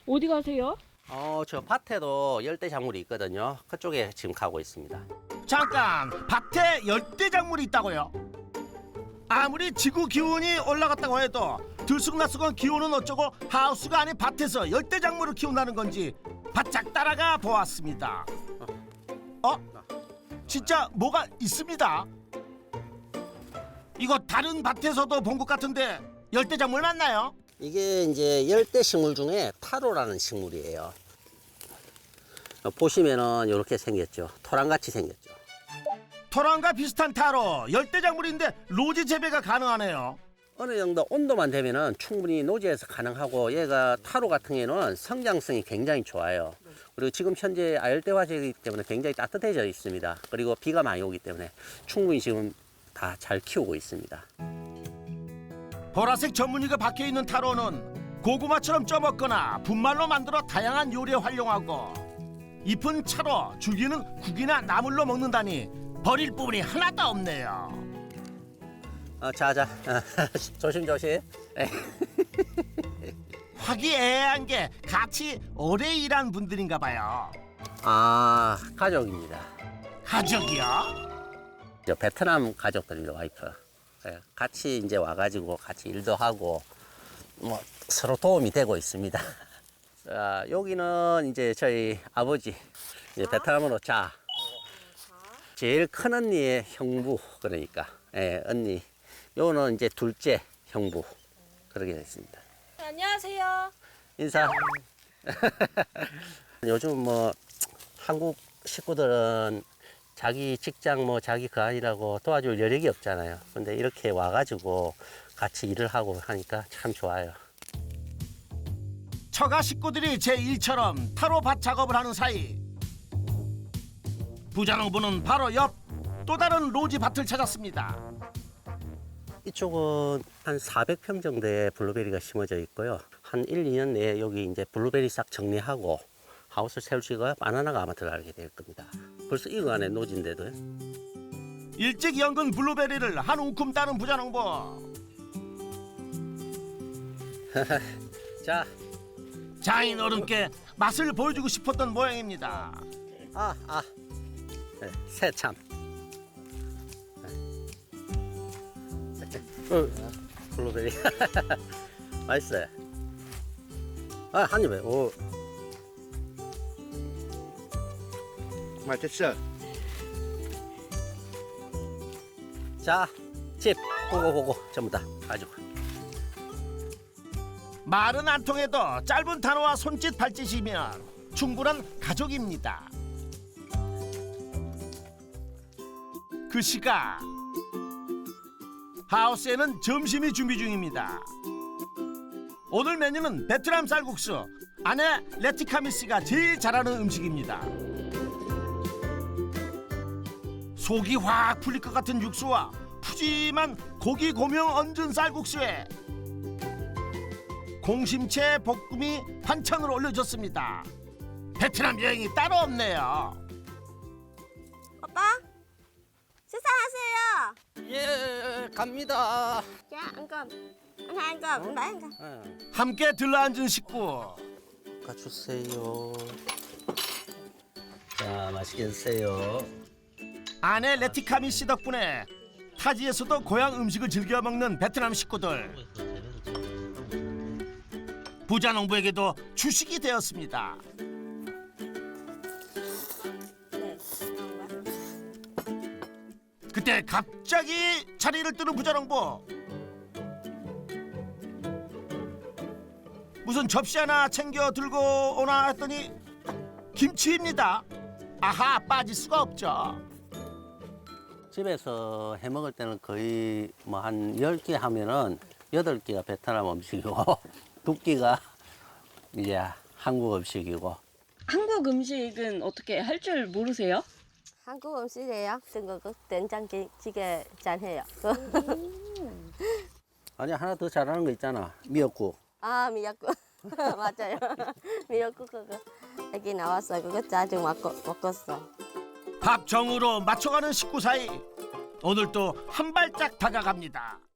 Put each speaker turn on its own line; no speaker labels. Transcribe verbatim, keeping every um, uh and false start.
어디 가세요?
어, 저 밭에도 열대작물이 있거든요. 그쪽에 지금 가고 있습니다.
잠깐, 밭에 열대작물이 있다고요? 아무리 지구 기온이 올라갔다고 해도 들쑥날쑥한 기온은 어쩌고 하우스가 아닌 밭에서 열대작물을 키운다는 건지 바짝 따라가 보았습니다. 어? 진짜 뭐가 있습니다. 이거 다른 밭에서도 본 것 같은데 열대작물 맞나요?
이게 이제 열대식물 중에 타로라는 식물이에요. 보시면은 이렇게 생겼죠. 토랑같이 생겼죠.
토랑과 비슷한 타로 열대작물인데 로지 재배가 가능하네요.
어느 정도 온도만 되면은 충분히 노지에서 가능하고, 얘가 타로 같은 경우는 성장성이 굉장히 좋아요. 그리고 지금 현재 아열대화재이기 때문에 굉장히 따뜻해져 있습니다. 그리고 비가 많이 오기 때문에 충분히 지금 다 잘 키우고 있습니다.
보라색 전무늬가 박혀 있는 타로는 고구마처럼 쪄먹거나 분말로 만들어 다양한 요리에 활용하고, 잎은 차로, 줄기는 국이나 나물로 먹는다니 버릴 부분이 하나도 없네요.
어, 자자, 조심 조심.
화기애애한 게 같이 오래 일한 분들인가 봐요.
아, 가족입니다.
가족이요?
저 베트남 가족들입니다, 와이프. 예, 같이 이제 와가지고 같이 일도 하고 뭐 서로 도움이 되고 있습니다. 자, 여기는 이제 저희 아버지, 이제 베트남어로 자. 제일 큰 언니의 형부, 그러니까 예, 언니. 요거는 이제 둘째 형부, 그렇게 됐습니다.
안녕하세요.
인사. 요즘 뭐 한국 식구들은 자기 직장 뭐 자기 그 아니라고 도와줄 여력이 없잖아요. 근데 이렇게 와가지고 같이 일을 하고 하니까 참 좋아요.
처가 식구들이 제일처럼 타로 밭 작업을 하는 사이, 부자농부는 바로 옆 또 다른 로지 밭을 찾았습니다.
이쪽은 한 사백 평 정도의 블루베리가 심어져 있고요. 한 일, 이 년 내에 여기 이제 블루베리 싹 정리하고 하우스 세우시고 바나나가 아마 들어가게 될 겁니다. 벌써 이거 안에 노진데도요.
일찍 연근 블루베리를 한 움큼 따는 부자농부.
자,
장인 어른께 맛을 보여주고 싶었던 모양입니다.
아, 아, 네, 새참. 어, 블루베리. 맛있어요. 아, 한 입에. 오.
맛있어.
자, 집 보고 보고 전부 다 가지고.
말은 안 통해도 짧은 단어와 손짓 발짓이면 충분한 가족입니다. 그 시각 하우스에는 점심이 준비 중입니다. 오늘 메뉴는 베트남 쌀국수. 아내 레티카미 씨가 제일 잘하는 음식입니다. 속이 확 풀릴 것 같은 육수와 푸짐한 고기 고명 얹은 쌀국수에 공심채 볶음이 반찬으로 올려졌습니다. 베트남 여행이 따로 없네요.
오빠, 식사하세요.
예, 갑니다.
자, ăn cơm. Anh hai ăn cơm, anh bảy ăn cơm.
예,
함께 들러앉은 식구.
가주세요. 자, 맛있게 드세요.
아내 레티카미 씨 덕분에 타지에서도 고향 음식을 즐겨 먹는 베트남 식구들. 부자농부에게도 주식이 되었습니다. 그때 갑자기 자리를 뜨는 부자농부. 무슨 접시 하나 챙겨 들고 오나 했더니 김치입니다. 아하, 빠질 수가 없죠.
집에서 해 먹을 때는 거의 뭐 한 열 개 하면은 여덟 개가 베트남 음식이고 두 개가 이제 한국 음식이고.
한국 음식은 어떻게 할 줄 모르세요?
한국 음식이에요. 중국 된장찌개 잘해요.
아니, 하나 더 잘하는 거 있잖아. 미역국.
아, 미역국. 맞아요. 미역국 그거 여기 나왔어. 그거 자주 먹고 먹었어.
밥 정으로 맞춰가는 식구 사이 오늘 또 한 발짝 다가갑니다.